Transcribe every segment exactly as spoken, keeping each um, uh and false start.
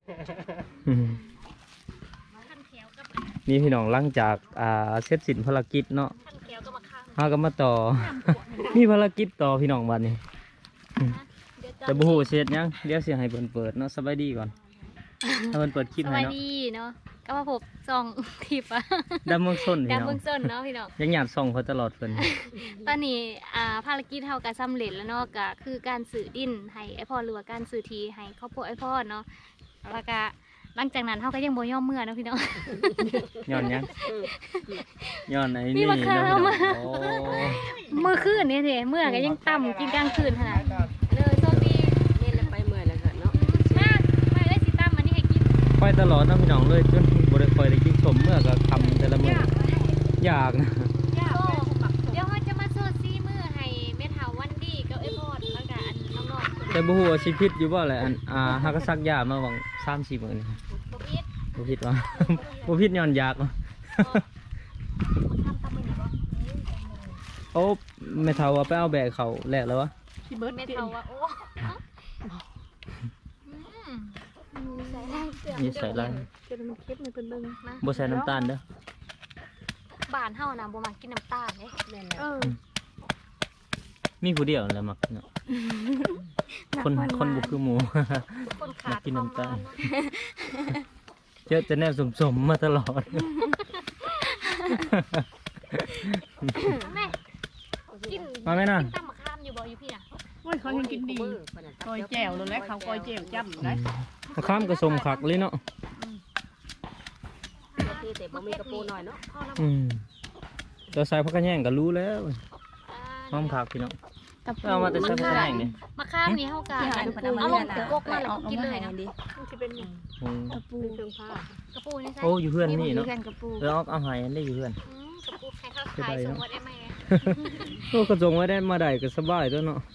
นี่พี่น้องหลังจากอ่าเสร็จสิ้นภารกิจเนาะเฮาก็มาต่อมีภารกิจต่อพี่น้องบัดนี้แต่บ่ฮู้เสร็จยังเดี๋ยวสิให้เพิ่นเปิดเนาะสบายดีก่อนถ้าเพิ่นเปิดคลิปสให้วัสเนาะดีเนาะก็มาพบซองคลิปอะดำเมืองส้นพี่ดาวน้องเมืองส้นเนาะพี่น้องยังหยาดส่องเขาตลอดเพิ่นตอนนี้อ่าภารกิจเฮาก็สำเร็จแล้วเนาะก็คือการสื่อดินให้ไอพ่อหรือว่าการสื่อทีให้ครอบครัวไอพ่อเนาะแล้วก็หลังจากนั้นเฮาก็ยังบ่ยอมเมื่อเนาะพี่น้องย้อนยังย้อนไอ้มีนี่มะเนาะขามพี่น้องอะโอ้เมื่อคืนนี่เด้เมื่อก็ยังต่ำกินกลางคืนขนาดเลยโชคดีเล่นแล้วไปเมื่อยแล้วก็เนาะมากไม่ได้สิต่ำอันนี้ให้กินไปตลอดเนาะพี่น้องเลยจนบ่ได้ค่อยได้กินสมเมื่อก็ทำแต่ละมื้ออยากนะยากเดี๋ยวเฮาจะมาโซซี่มือให้แม่เฒ่าวันดีกับไอพ่อแล้วก็อันน้องๆแต่บ่ฮู้ว่าสิผิดอยู่บ่แหละอันอ่าหากก็ซักยามาหวังสามสี่มื้อนี่บ่ผิดบ่ผิดว่า บ่ผิดย้อนอยากว่ะทำตามมือหนูบ่โอ้แม่เฒ่าว่าไปเอาแบกเขาแลกแล้ววะพี่เบิร์ดแม่เตียเฒ่าว่าโอ้ใส่ได้เสื้อนี่ใส่ลายเตียมันเข้มมันเป็นเบิ่งนะบ่ใส่น้ำตาลเด้อบ้านเฮานะบ่มักกินน้ำตาลเด้แม่นแล้วเออมีผู้เดียวแหละมักเนาะคนคนบ่คือหมูคนขาดกินน้ำตาลควมหวเนาะเจอแต่แนวสมๆมาตลอดแม่กินมาไหมน่ะกินตำมะขามอยู่บ่อยู่พี่น่ะโอ้ยเขายังกินดีก้อยแจ่วเลยแหละเขาก้อยแจ่วจ้ำเลยมะขามก็สมคักเลยเนาะที่แต่บ่มีกระปูหน่อยเนาะพ่อเราอืมตัวใส่ผักกระแยงก็รู้แล้วอ่าหอมคักพี่น้องเอามาแต่ใส่ผักกระแยงนี่มะขามนี่เฮาก็เอาลงถึงกกมาแล้วก็กินเลยเนาะมันจะเป็นอืมกระปูเครื่องผ้ากระปูนี่ใช่โอ้อยู่เพื่อนนี่เนาะกระปูเออเอาเอาใหายอันได้อยู่เพื่อนอืมกระปูใครเขาขายส่งมาได้ไหมโอ้กระจงไว้ได้มาได้ก็สบายตัวเนาะ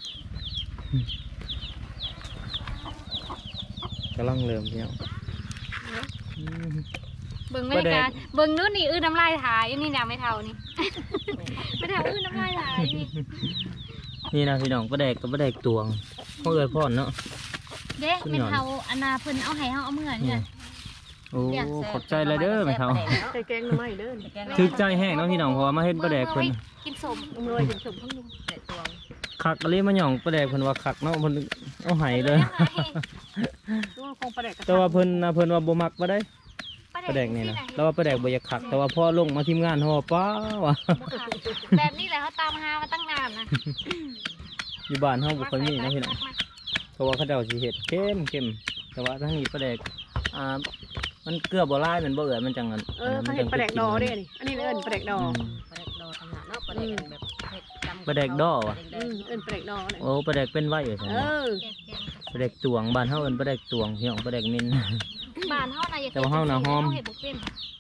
กำลังเริ่มพี่น้องอืมเบิ่งบรรยากาศเบิ่งนู้นนี่อื้อน้ำลายถ่ายนี่เนี่ยไม่เท่านี่ ไม่เท่าอื้อน้ำลายถ่ายนี่นี่นะพี่น้องปลาแดกกับปลาแดกตวงเขาเอ่ยพ่อนเนาะเด้ไม่เท่าอันนาเพิ่นเอาให้เฮาเอาเมื่อนี่โอ้ขอบใจเลยเด้อแม่เฒ่าใส่แกงหน่อไม้เด้อถึกใจแห้งเนาะพี่น้องเพราะว่ามาเฮ็ดปลาแดกเพิ่นกินสมเมื่อยเป็นสมข้างนุ่มแต่ตวงคักอะไรมาหย่องปลาแดกเพิ่นว่าคักเนาะเพิ่นเอาให้เลยตัวคงปลาแดกแต่ว่าเพิ่นน่ะเพิ่นว่าบ่มักบ่ได้ปลาแดกนี่นะแล้วว่าปลาแดกบ่อยากคักแต่ว่าพอลงมาทีมงานเฮาว่าป้าว่ะแบบนี้แหละเขาตามหามาตั้งนานนะอยู่บ้านเฮาบ่ค่อยมีนะพี่น้องเพราะว่าเขาเจ้าสิเฮ็ดเข้มเข้มแต่ว่าทางนี้ปลาแดกอ่ามันเกลือบ่ลายมันบ่เอื้อยมันจังอันเออเขาเห็นปลาแดกดอเด้นี่อันนี้เอิ้นปลาแดกดออืมปลาแดกดอทำหาเนาะปลาแดกแบบปลาแดกดอวะอืมเอิ้นปลาแดกดอเนี่ยโอ้ปลาแดกเป็นไว้อยู่ซั่นเอน่ะอปลาแดกตวงบ้านเฮาเอิ้นปลาแดกตวงพี่น้องปลาแดกมินบ้านเฮานะอย่าแต่ว่าเฮาน่ะหอมเห็ดบ่เป็น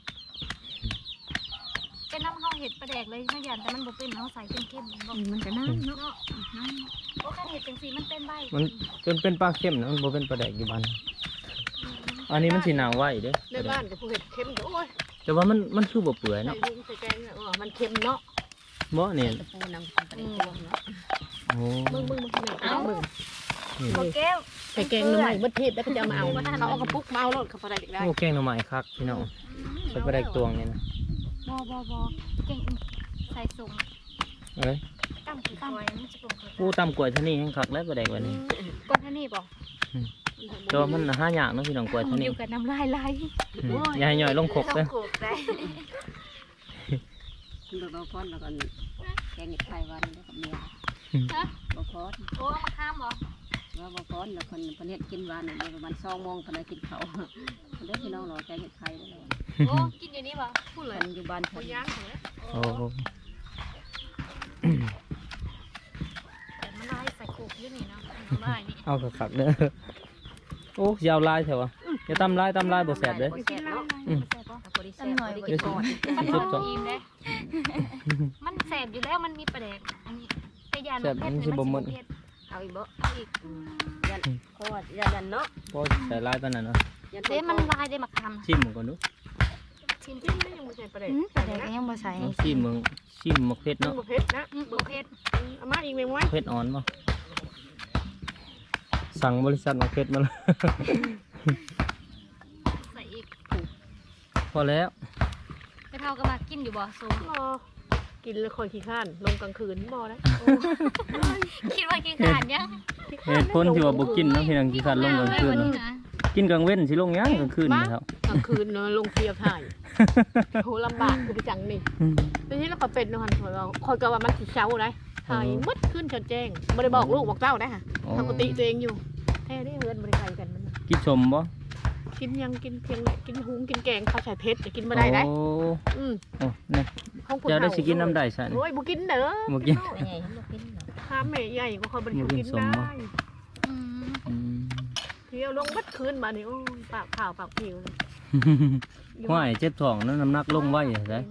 เป็นน้ำเฮาเห็ดปลาแดกเลยไม่ยันแต่มันบ่เป็นเฮาใส่เข้มๆบ่มันก็น้ำเนาะเนาะโอ้คันเห็ดจังซี่มันเป็นใบมันจนเป็นปลาเข้มนะมันบ่เป็นปลาแดกอยู่บ้านอันนี้มันสิหนาวไว้เด้ในบ้านกับผู้เห็ดเค็มโอ้ยแต่ว่ามันมันคือบ่เปื่อยใส่เนาะดินใส่แกงเนี่ยอ๋อมันเค็มเนาะบ่นี่กระปูนำปลาแดกดองเนาะโอ้มึงมึงมึงเอามึงนี่บ่แก้วใส่แกงหน่อไม้บดเทศแล้วก็จะมาเอาเขาเอากระปุกมาเอารถเขาปลาแดกได้โอ้แกงหน่อไม้คักพี่น้องใส่ปลาแดกตวงนี่นะบ่บ่บ่เก่งใส่สมเอ้ยตั้มคือตั้มมันจะเป็นปูตำกล้วยเท่านี้แห้งคักแล้วปลาแดกวันนี้ก้อนเท่านี้บ่แต่ว่ามันหายากเนาะพี่น้องกล้วยเท่าอนี้ยู่กับน้ำลายไหลอืมอย่าให้ย่อยลงคกเด้อโขกได้ดูบอพอนแล้วก็แกงเห็ดไข่วันแล้วกับเมียฮะบอพอนโอ้มาข้ามบ่ว่าบอพอนแล้วคนคนเห็ดกินวันเนี่ยประมาณสองโมงคนได้กินเขาเด้อพี่น้องรอแกงเห็ดไข่ได้เลยโอ้กินอยู่นี่บ่พูดเลยคนอยู่บ้านคนย่างโอ้แต่มันลายใส่โขกอยู่นี่เนาะน้ำลายนี่เอาคักๆเด้อโอ้ยาวลายแถววะอย่าตำลายตำลายบ่แซ่บเด้อแซ่บเนาะอืมแซ่บบ่พอดีแซ่บพอดีกินก่อนมันบ่อิ่มเด้มันแซ่บอยู่แล้วมันมีประเด็กอันนี้แต่ยานมันเผ็ดเลยมันสิบ่เผ็ดเอาอีกบ่เอาอีกยันเพราะว่ายันเนาะพอใส่ลายปานนั้นเนาะเด้มันลายได้มาคำชิมมึงก่อนดูชิมจิ้มไม่ยังไม่ใช่ประเด็นอืมประเด็กยังบ่ใส่ลองชิมมึงชิมมักเผ็ดเนาะเนาะเผ็ดนะอืมบ่เผ็ดเอามาอีกไหมวะเผ็ดอ่อนป่ะสั่งบริษัทมักเผ็ดมาเลยพอแล้วไปเท่าก็มากินอยู่บ่ส้มบ่กินแล้วคอยขี้ข้านลงกลางคืนบ่ได้คิดว่ากินขาดยังเหตุผลที่ว่าบ่กินเนาะพี่น้องขี้คร้านลงกลางคืนนี่เนาะนะกินกลางเว้นสิลงหยังกลางคืนนี่ครับกลางคืนเนาะลงเทียบถ่ายโหลำบากคือไปจังนี่ทีนี้เราก็เป็นเนาะหันเราคอยก็ว่ามันสิเช้าได้ถ่ายมืดขึ้นจนแจ้งบ่ได้บอกลูกบอกเต้าได้ค่ะปกติตัวเองอยู่แท้ได้เฮือนบ่ได้ไกลกันมันกินชมบ่กินยังกินเพียงกินหุงกินแกงข้าวใส่เพชรจะกินบ่ได้ได้โอ้อืมโอ้เนี่ยของผู้เจ้าได้ฒ่สิกินน้ำได้ซะนี่โอ้ยบ่กินเด้อบ่กินแม่ใหญ่บ่กินเนาะข้าแม่ใหญ่ก็คอยบ่ได้บ่กิกินนสมได้บ่อืมอืมเที่ยวลงบัดคืนมานี่โอ้ยปากขาวปากผิวเลยห้วยเจ็บท้องนั้นน้ำหนักลงไว้ใช่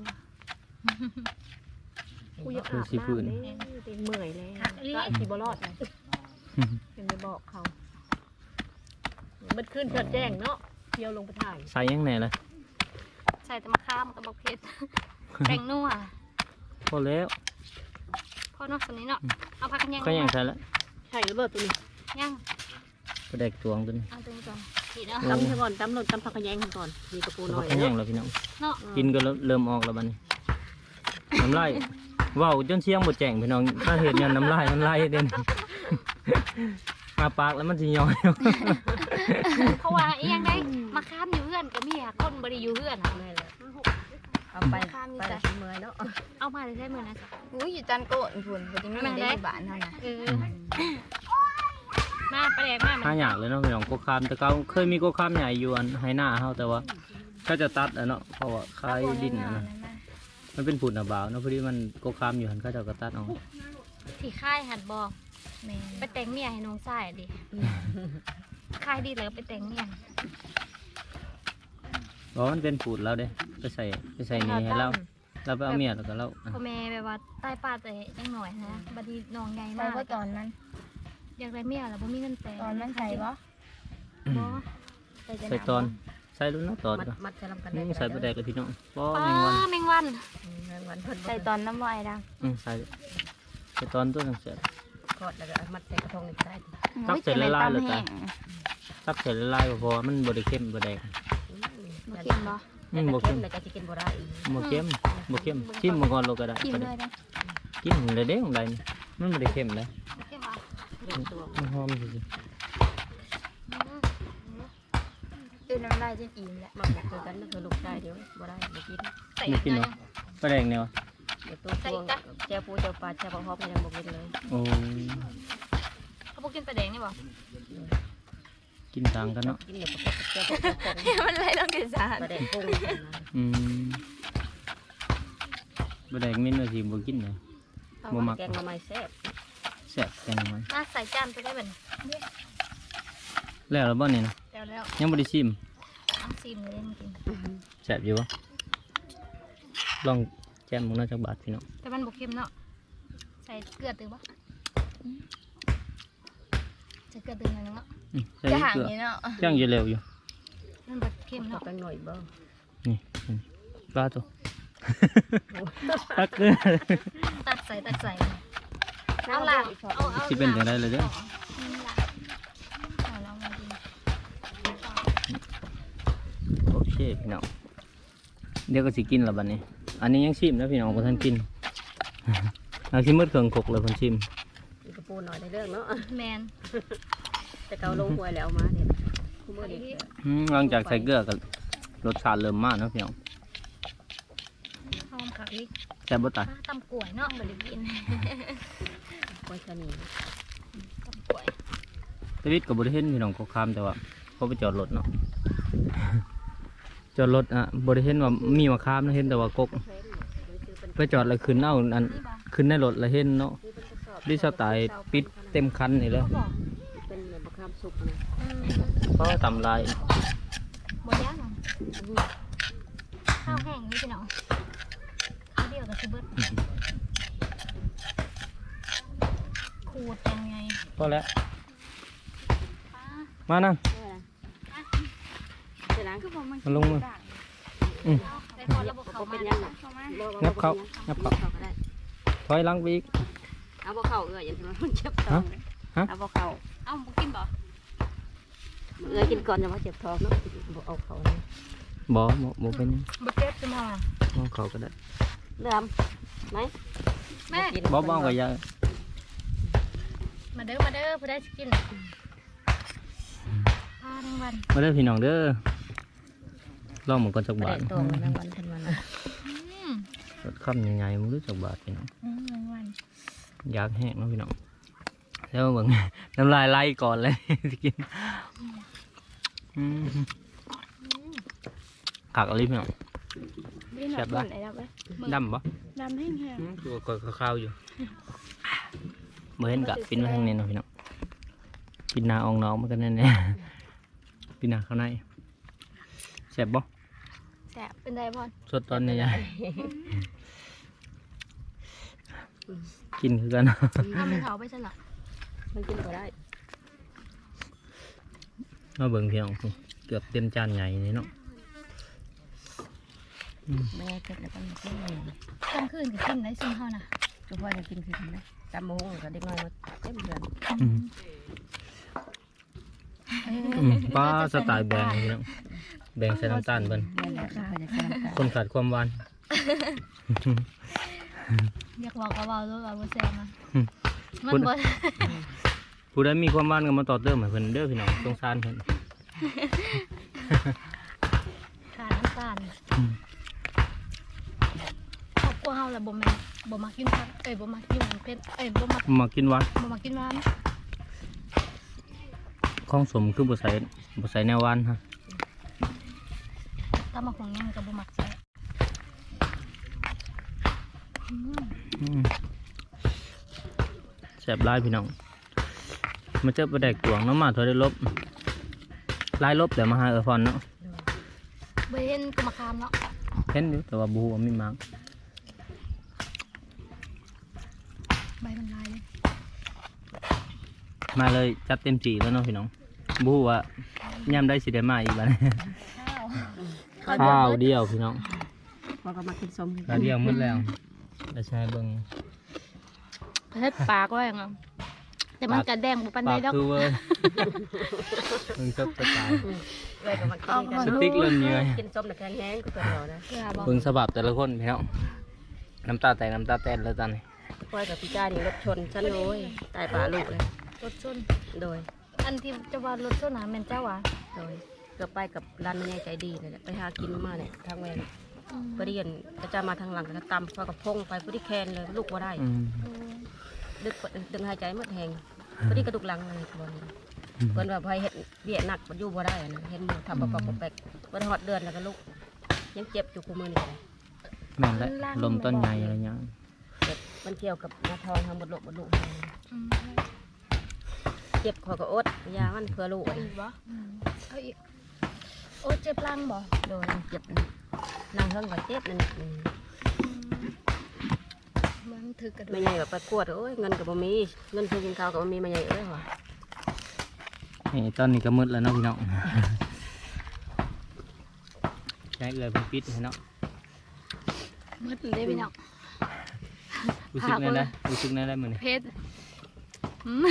กูอยากอาบน้ำเลยเต็มเมื่อยเลยก็ไอ้ที่บ่รอดเลยยังไปบอกเขาบัดคืนเกิดแจ้งเนาะเที่ยวลงไปถ่ายใส่ยังไงล่ะใส่แต่มะขามกับบักเผ็ดแป้งนัวพอแล้วพอเนาะสนี้เนาะเอาผักกันยังก็ยังใส่แล้วใช่ระเบิดตัวนี้ยังก็ได้ตวงตัวนี้เอาตัวนี้ก่อนนี่เนาะโอ้ตำซะก่อนตำหนดตำผักกระแยงก่อนมีกระปูหน่พัอก ยขยังแล้วพี่น้องเนาะกินก็เริ่มออกแล้วบัดนี้น้ำลายว้าวจนเสียงบ่แจ้งพี่น้องถ้าเห็นยันน้ำลายมันไหลเด่นมาปากแล้วมันสิย้อยเพราะว่าอีหยังได้มะขามอยู่เฮือนก็มีอะคนบ่ได้อยู่เฮือนอะเอาไปไปเมื่อยเนาะเอามาได้ใช้มื้อนะจ๊ะอุ้ยอยู่จันโกนพุ่นบ่ได้มีได้อยู่บ้านเท่านั้นเออมาไปแดกมาหาอยากเลยเนาะพี่น้องโกคามแต่เก่าเคยมีโกคามใหญ่อยู่อันไหหน้าเฮาแต่ว่าก็จะตัดอะเนาะเพราะว่าคายดินอะนะมันเป็นผุนอะบ่าวเนาะพอดีมันโกคามอยู่หันเขาเจะก็ตัดเอาที่ค่ายหัดบอกแม่ไปแต่งเมียให้น้องชายดิค่ายดีแล้วก็ไปแต่งเมียเพราะมันเป็นผุนแล้วเด้ไปใส่ไปใส่นี่ให้เราเราไปเอาเมียแล้วก็เราอ่ะพ่อแม่แบบว่าใต้ป้าแต่ยังหน่อยนะบัดนี้น้องใหญ่ใส่มากว่าตอนนั้นอยากได้เมียแล้วบ่มีเงินแต่งตอนนั้นใส่บ่บ่ใส่จะใส่ตอนใส่รุ่นเนาะตอนมัดก็มัดจะลำกันนี่ใส่ปลาแดกเลยพี่น้องป้อป้าแมงวันแมงวันวันเพิ่นใส่ตอนน้ำลายดังอืมใส่ใส่ตอนตัวหนังเสือกอดแล้วก็มัดใส่กระทงอีกใส่ตักใส่ละลายเลยจ้ะ ตักใส่ละลายก็พอมันบริเข้มบแดกบ่กินบ่อืมบ่บ่เข้เข้มมแล้วก็จะกินบ่ได้บ่เข้มบ่เข้มชิมมาก่อนเราก็ได้กินก็เลได้ยนะกินเลยเด้ของใดนี่มันบริเข้มเลยโอเคป่ะตัวมันหอมสิตื่นน้ำลายจนอิ่มแล้วมักคือกันนั่นคือลูกชายเดี๋ยวบ่ได้บ่กินใส่ไม่กินเนาะปลาแดกเนี่ยวะเดี๋ยวตัวพวงแจ้ปูเจ้าปลาเจ้าปลาฮอบยังบ่กินเลยโอ้เขาบอกกินปลาแดงนี่บ่กินต่างกันเนาะกินเดี๋ยวเจ้าปลาฮอบมันเลยต้องกินสารปลาแดงกุ้งอืมปลาแดกมิ้นว่าสิบ่กินเลย บ่มักแกงมาใหม่แซ่บแซ่บแตงมันมาใส่จานไปได้บัดนี้แล้วแล้วบ่นี่นะแล้วแล้วยังบ่ได้ชิมเอาซีมเลยมากินแซ่บอยู่บ่ลองแจ่มมึงน่าจักบาทพี่น้องแต่มันบ่เค็มเนาะใส่เกลือตึงบ่ใส่เกลือตึงหน่อยนึงเนาะอืมใส่จะห่างเกลือนี่เนาะย่างอยู่เร็วอยู่มันบ่เค็มเอาเนาะแป้งหน่อยบ่นี่นี่ปลาตัว ตักเกลือตัดใส่ตัดใส่เอาล่ะเอาเอาสิเป็นจังได๋เลยเด้อนี่ล่ะเอาแล้วมากินโอเคพี่น้องเดี๋ยวก็สิกินแล้วบัดนี้ อันนี้ยังชิมนะพี่น้องบ่ทันกิน เอาสิหมดเครื่องคกเลยเพิ่นชิมมีกระปูหน่อยในเรื่องเนาะแมนแต่เกาลงหวยแล้วมาเนี่ยคู่มือดีอืมหลังจากใส่เกลือก็รสชาติเริ่มมาเนาะพี่น้องหอมคักอีกแซ่บบ่ตายตำกล้วยเนาะบ่ได้กินกล้วยชะนีตำกล้วยชีวิตก็บ่ได้เห็นพี่น้องก็คามแต่ว่าเขาไปจอดรถเนาะ จอดรถอ่ะบ่ได้เห็นว่ามีมะขามนะเห็นแต่ว่ากกไปจอดแล้วขึ้นเอาอันนี่บ่ขึ้นในรถแล้วเห็นเนาะดิสไตล์ปิดเต็มคันนี่เลยเขาบอกเป็นเหมือนมะขามสุกนะอืมเพราะตำลายบ่ยากเนาะข้าวแห้งนี่พี่น้องข้าวเดียวก็สิเบิดขูดยังไงพอแล้วป้ามานั่งเสร็จแล้วคือผมมันมาลงมือได้พอระบบเขาเขามาเป็นยังไงเข้ามางับเขางับเขาก็ได้ถอยหลังไปอีกเอาบ่เข้าเอื้ออย่างที่มันเจ็บท้องฮะเอาบ่เข้าเอ้าบ่กินบ่เอื้อกินก่อนจะมาเจ็บท้องเนาะบ่เอาเข้าเลยบ่บ่บ่เป็นบ่เจ็บจะมามองเขาก็ได้เริ่มไหมแม่บ่บ้องก็ยังมาเด้อมาเด้อผู้ได้สิกินพาทั้งวันมาเด้อพี่น้องเด้อลองหมันก่อนจักไม่บาได้ทตัวมันทั้งวันทั้งวันอืมรสค่ำยังไงมึงรู้จักบาทพี่น้องอืมทั้งวันอยากแห้งเนาะพี่น้องแล้วเบิ่ง น้ำลายไหลก่อนเลย สิกินอืมขักอะไรพี่น้อง แซ่บปะไหนดำไหมดำปะดำแห้งอืมตัวก็ข้าวๆอยู่เมื่อเห็นกะปินมาทางนี้เนาะพี่น้องปินหนาอองน้องมันกันแน่ๆปินหนาข้างในแซ่บบ่แซ่บเป็นไดพอนสดตอนนี้ยายกินคือกันเอาไปเผาไปซะละมันกินก็ได้มาเบิ่งพี่น้องเกือบเต็มจานใหญ่นี่เนาะไม่ได้เก็บแล้วก็มากินเลยกลางคืนก็กินได้ซุ่มเฮาน่ะทุกวันจะกินคือกันไหมจำโมงก็เด็กน้อยมาเต็มเดือนอืมเออืมป้าสไตล์แบงพี่น้องแบงใส่น้ำตาลเบิ่นนี่แหละเขาจะกินกันคนขาดความหวานอยากบอกก็เว้าด้วยว่าบ่แซ่บนะอืมมันบ่ผู้ใดมีความหวานก็มาต่อเติมให้เพิ่นเด้อพี่น้องสงสารเพิ่นขาดน้ำตาลอืมครอบครัวเฮาล่ะบ่แม่นบ่มักกินผักเอ้ยบ่มักกินหยังเผ็ดเอ้ยบ่มักมากินหวานบ่มักกินหวานของสมคือบ่ใส่บ่ใส่แนวหวานฮะตำบักหุ่งยังก็บ่มักใส่อืมอืมแซ่บหลายพี่น้องมาเจอปลาแดกตวงเนาะมาเท่าได้ลบหลายลบแต่มาหาเออพรเนาะบ่เห็นก็มาคามเนาะเห็นอยู่แต่ว่าบ่ฮู้ว่ามีมักใบมันลายเลยมาเลยจัดเต็มจีแล้วเนาะพี่น้องบฮูว่ายามได้สิได้มาอีกบัดนี้ข้าวข้าวเดียวพี่น้องพอก็มากินส้มข้าวเดียวหมดแล้วจะใช้เบิ่งเฮ็ดปากไว้งั้นแต่มันก็แดงบ่ปานใดปากดอกคือเว้ยเบิ่งซับสไตล์เลยก็มากินกันสติ๊กเริ่มเหนื่อยกินส้มแต่แข็งแห้งก็ตัวเรานะเกลือบ่เบิ่งสภาพแต่ละคนพี่น้องน้ำตาแตกน้ำตาแตนแล้วตอนนี้พ่อยกับพี่จ้านี่รถชนฉันเลยตายป่าลูกเลยรถชนโดยอันที่จะว่ารถชนน่ะแม่นเจ้าหวะโดยเกือบไปกับร้านแม่ใจดีเลยแหละไปหากินมาเนี่ยทางแวนพอดีเห็นก็จะมาทางหลังก็ตำพอกับพงไปพอดีแคนเลยลูกว่าได้อืมดึกดึงหายใจหมดแหงพอดีกระดูกหลังอะไรบอลเพิ่นว่าพอเห็ดเบี้ยหนักมันอยู่บ่ได้นะเห็นหมูทำปะปะปะแปกวันหอดเดือนแล้วก็ลูกยังเจ็บอยู่คู่มือนี่เลยแม่นและลมต้นใหญ่อะไรเงี้ยเจ็บมันเกี่ยวกับหน้าท้องทางบดลูกบดลูกอืมเจ็บคอก็อดยามันเพื่อลูกเอาอีกบ่อืมเอาอีกโอ้เจ็บหลังบ่โดนเจ็บนั่งเฮิงก็เจ็บนั่นอืมมันถึกกระดูไม่กใหญ่แบบไปกวดโอ้ยเงินก็บ่มีเงินซื้อกินข้าวก็บ่มีไม่ใหญ่เอ้ยว่ะนี่ตอนนี้ก็มืดแล้วเนาะพี่น้องใช้เอื้อยเพิ่นปิดให้เนาะมืดเลยพี่น้องรู้สึกแน่ได้รู้สึกแน่ได้มื้อนี้เพชรอืม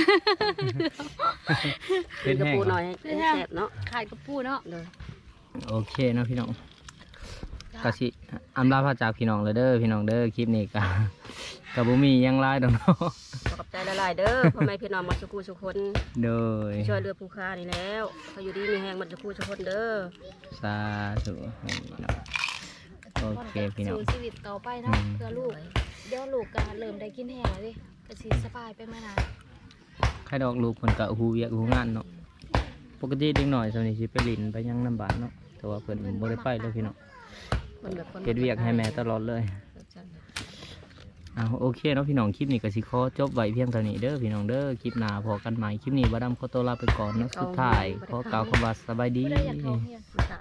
เผ็ดกระแห้งปูเหรหน่ออยให้แซ่บเนาะขายกระปูเนาะเลยโอเคเนาะพี่น้องกะสิอำลาพาจากพี่น้องเลยเด้อพี่น้องเด้อคลิปนี้กะกะบ่มีหยังหลายดอกเนาะขอบใจหลายๆเด้อพ่อแม่พี่น้องมาสุกูสุคนโดยช่วยเรือผู้ค้านี่แล้วเขาอยู่ดีมีแหงมันสุกูสุคนเด้อสาธุให้พี่น้อง โอเคพี่น้องสู่ชีวิตต่อไปเนาะอืมเพื่อลูกเดี๋ยวลูกก็เริ่มได้กินแห้งแล้วดิก็สิสบายไปมานานใครดอกลูกเพิ่นก็ฮู้เวียกฮู้งานเนาะปกติเด็กน้อยส่วนนี้สิไปลินไปหยังน้ำบ้านเนาะแต่ว่าเพิ่นบ่ได้ไปเลยพี่น้องมันแบบคนเฮ็ดเวียกให้แม่ตลอดเลยอ้าวโอเคเนาะพี่น้องคลิปนี้ก็สิขอจบไว้เพียงเท่านี้เด้อพี่น้องเด้อคลิปหน้าพอกันใหม่คลิปนี้บ่ดำขอตัวลาไปก่อนเนาะสุดท้ายขอกล่าวคำว่าสบายดีไม่ได้อยากท้องเฮียนมันจะ